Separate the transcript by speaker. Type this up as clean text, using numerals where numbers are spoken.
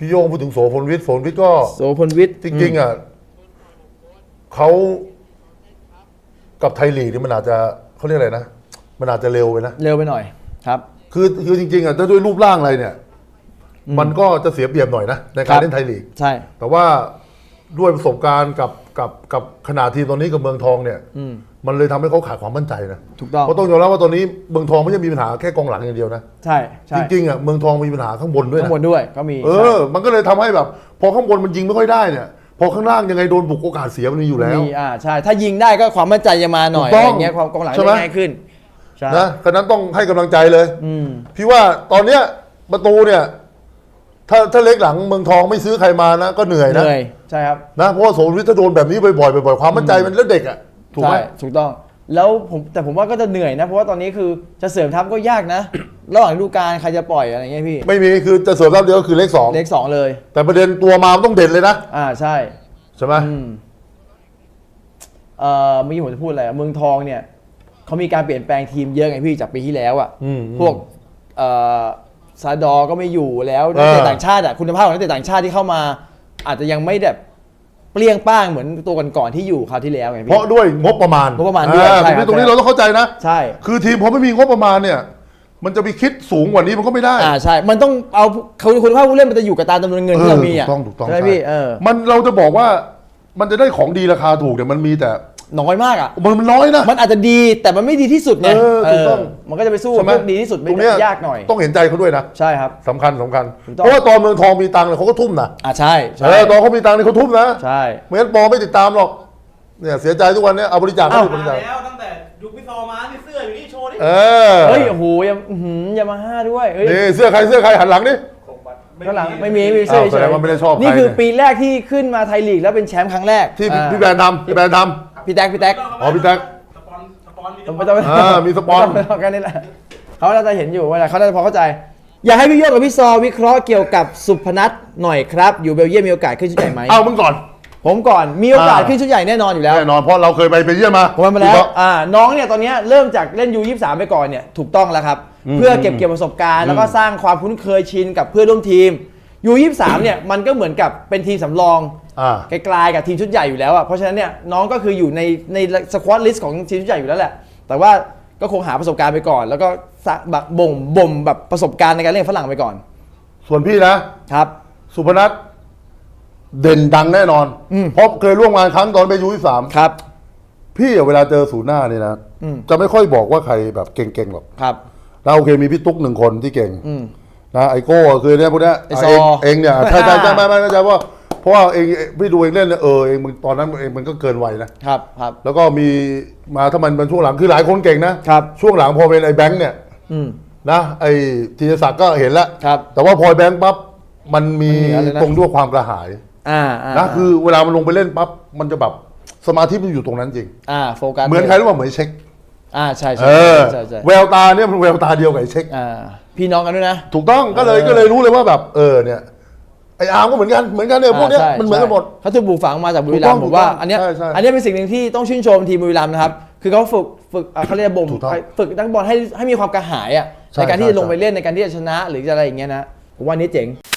Speaker 1: พี่โยงพูดถึงโสพลวิทย์ก็
Speaker 2: โสพลวิทย์
Speaker 1: จริงๆอ่ะเขากับไทยลีกนี่มันอาจจะเขาเรียกอะไรนะมันอาจจะเร็วไปนะ
Speaker 2: เร็วไปหน่อยครับ
Speaker 1: คือจริงๆอ่ะถ้าด้วยรูปร่างอะไรเนี่ยมันก็จะเสียเปรียบหน่อยนะในการเล่นไทยลีก
Speaker 2: ใช่
Speaker 1: แต่ว่าด้วยประสบการณ์กับขนาดทีมตอนนี้กับเมืองทองเนี่ยมันเลยทำให้เขาขาดความมั่นใจนะ
Speaker 2: ถูกต้อง
Speaker 1: เพราะต้องยอมรับว่าตอนนี้เมืองทองไม่ใช่มีปัญหาแค่กองหลังอย่างเดียวนะ
Speaker 2: ใช่
Speaker 1: จริงๆอ่ะเมืองทองมีปัญหาข้างบนด้วยนะ
Speaker 2: ข้างบนด้วยก็มี
Speaker 1: มันก็เลยทำให้แบบพอข้างบนมันยิงไม่ค่อยได้เนี่ยพอข้างล่างยังไงโดนบุกโอกาสเสียมันมีอยู่แล้ว
Speaker 2: ใช่ถ้ายิงได้ก็ความมั่นใจจะมาหน่อยอย่างเงี้ยความกองหลังจะง่ายขึ้น
Speaker 1: นะฉะนั้นต้องให้กำลังใจเลยพี่ว่าตอนเนี้ยประตูเนี่ยถ้าเล็กหลังเมืองทองไม่ซื้อใครมานะก็เหนื่อยนะ
Speaker 2: ใช่ครับ
Speaker 1: นะเพราะว่าโสมวิทย์ถ้าโดนแบบนี้บ่อยความมั่นใจมันแล้วเด็กอ่ะถูกไหม
Speaker 2: ถูกต้องแล้วผมว่าก็จะเหนื่อยนะเพราะว่าตอนนี้คือจะเสริมทัพก็ยากนะระหว่างฤดูกาลใครจะปล่อยอะไรเงี้ยพี่
Speaker 1: ไม่มีคือจะเสริมทัพเดียวก็คือเลข2
Speaker 2: เลย
Speaker 1: แต่ประเด็นตัวมาต้องเด่นเลยนะ
Speaker 2: ใช่
Speaker 1: ไหม
Speaker 2: เมื่อกี้ผมจะพูดอะไรเมืองทองเนี่ยเขามีการเปลี่ยนแปลงทีมเยอะไงพี่จากปีที่แล้วอ่ะพวกซาดอก็ไม่อยู่แล้วนักเตะต่างชาติคุณภาพของนักเตะต่างชาติที่เข้ามาอาจจะยังไม่แบบเปรี้ยงป้างเหมือนตัวก่อนๆที่อยู่คราวที่แล้วไงพี่
Speaker 1: เพราะด้วยงบประมาณ
Speaker 2: ด้วย
Speaker 1: ตรงนี้เราต้องเข้าใจนะ
Speaker 2: ใช่
Speaker 1: คือทีมพอไม่มีงบประมาณเนี่ยมันจะไปคิดสูงกว่านี้มันก็ไม่ได้
Speaker 2: ใช่มันต้องเอาคุณภาพผู้เล่นมันจะอยู่กับตามจำนวนเงินที่เรามี
Speaker 1: ถูกต้อง
Speaker 2: ใช่พี่
Speaker 1: มันเราจะบอกว่ามันจะได้ของดีราคาถูกเนี่ยมันมีแต่
Speaker 2: น้อยมาก
Speaker 1: มันน้อยนะ
Speaker 2: มันอาจจะดีแต่มันไม่ดีที่สุดไงถูกต้องมันก็จะไปสู้พวกดีที่สุดไม่ได้ยากหน่อย
Speaker 1: ต้องเห็นใจเขาด้วยนะ
Speaker 2: ใช่ครับ
Speaker 1: สำคัญเพราะว่าตอนเมืองทองมีตังค์เขาก็ทุ่มนะ
Speaker 2: ใช่
Speaker 1: ตอนเขามีตังค์นี่เขาทุ่มนะ
Speaker 2: ใช่
Speaker 1: ไม่งั้นปอไม่ติดตามหรอกเนี่ยเสียใจทุกวันนี้เอาบริจาค
Speaker 3: แล้วตั้งแต่ยุคพี่ซอมานี่เสื้ออยู่นี่โชว์นี่
Speaker 2: เฮ้ยโอ้โหยามาฮ่าด้วย
Speaker 1: นี่เสื้อใครหันหลังนี่
Speaker 2: ข้างหลังไม่มีเสื้อ
Speaker 1: แสดงว่าไม่ได้ชอบ
Speaker 2: นี่คือปีแรกที่ขึ้นมาไทยลีกแล้วเป็นแชมป์ครั้งแรก
Speaker 1: ที่พี่แบนทำพี่แท็ก
Speaker 2: พี่แท็ก
Speaker 1: พี่แท็กมีสปอน
Speaker 2: กันนี่แหละเขาจะเห็นอยู่ว่าเขาจะพอเข้าใจอยากให้พี่โยกกับพี่ซอวิเคราะห์เกี่ยวกับสุพนัทหน่อยครับอยู่เบลเยียมมีโอกาสขึ้นชุดใหญ่ไหม
Speaker 1: มึงก่อน
Speaker 2: ผมก่อนมีโอกาสขึ้นชุดใหญ่แน่นอนอยู่แล้ว
Speaker 1: แน่นอนเพราะเราเคยไปเยี่ยมมา
Speaker 2: ผมไปแล้วน้องเนี่ยตอนนี้เริ่มจากเล่นU23ไปก่อนเนี่ยถูกต้องแล้วครับเพื่อเก็บเกี่ยวประสบการณ์แล้วก็สร้างความคุ้นเคยชินกับเพื่อนร่วมทีมU23เนี่ยมันก็เหมือนกับเป็นทีมสำรองไกลๆกับทีมชุดใหญ่อยู่แล้วเพราะฉะนั้นเนี่ยน้องก็คืออยู่ในสควอตลิสต์ของทีมชุดใหญ่อยู่แล้วแหละแต่ว่าก็คงหาประสบการณ์ไปก่อนแล้วก็แบบบ่มแบบประสบการณ์ในการเล่นฝรั่งไปก่อน
Speaker 1: ส่วนพี่นะครับสุพนัทเด่นดังแน่นอนเพราะเคยร่วมงานครั้งตอนไปU23
Speaker 2: ครับ
Speaker 1: พี่เวลาเจอศูนย์หน้านี่นะจะไม่ค่อยบอกว่าใครแบบเก่งๆหรอก
Speaker 2: ครับ
Speaker 1: เราโอเคมีพี่ตุ๊ก1คนที่เก่งนะไอโก้คือเนี่ยพวกนี้เองเนี่ยใช่ไม่เข้าใจว่าเพราะว่าเองพี่ดูเองเล่นเองมึงตอนนั้นเองมันก็เกินวัยนะครับแล้วก็มีมาถ้ามันเป็นช่วงหลังคือหลายคนเก่งนะครับช่วงหลังพอเป็นไอ้แบงค์เนี่ยนะไอ้ธีรศักดิ์ก็เห็นแล้วแต่ว่าพอแบงค์ปั๊บมันมีตรงด้วยความกระหายนะคือเวลามันลงไปเล่นปั๊บมันจะแบบสมาธิมันอยู่ตรงนั้นจริง
Speaker 2: โฟกัส
Speaker 1: เหมือนใครรู้ป่ะเหมือนเช็ค
Speaker 2: ใช่
Speaker 1: แววตาเนี่ยมันแววตาเดียวกับเช็ค
Speaker 2: พี่น้องกันด้วยนะ
Speaker 1: ถูกต้องก็เลยรู้เลยว่าแบบเนี่ยไอ้อาร์มก็เหมือนกันเนี่ยพวกเนี้ยมันเหมือนกันหมด
Speaker 2: เขาถูกปลูกฝังมาจากบุรีรัมย์ผมว่าอันนี้เป็นสิ่งหนึ่งที่ต้องชื่นชมทีมบุรีรัมย์นะครับคือเขาฝึกเขาเรียกบ่มฝึกนักบอลให้มีความกระหายในการที่จะลงไปเล่นในการที่จะชนะหรือจะอะไรอย่างเงี้ยนะผมว่านี้เจ๋ง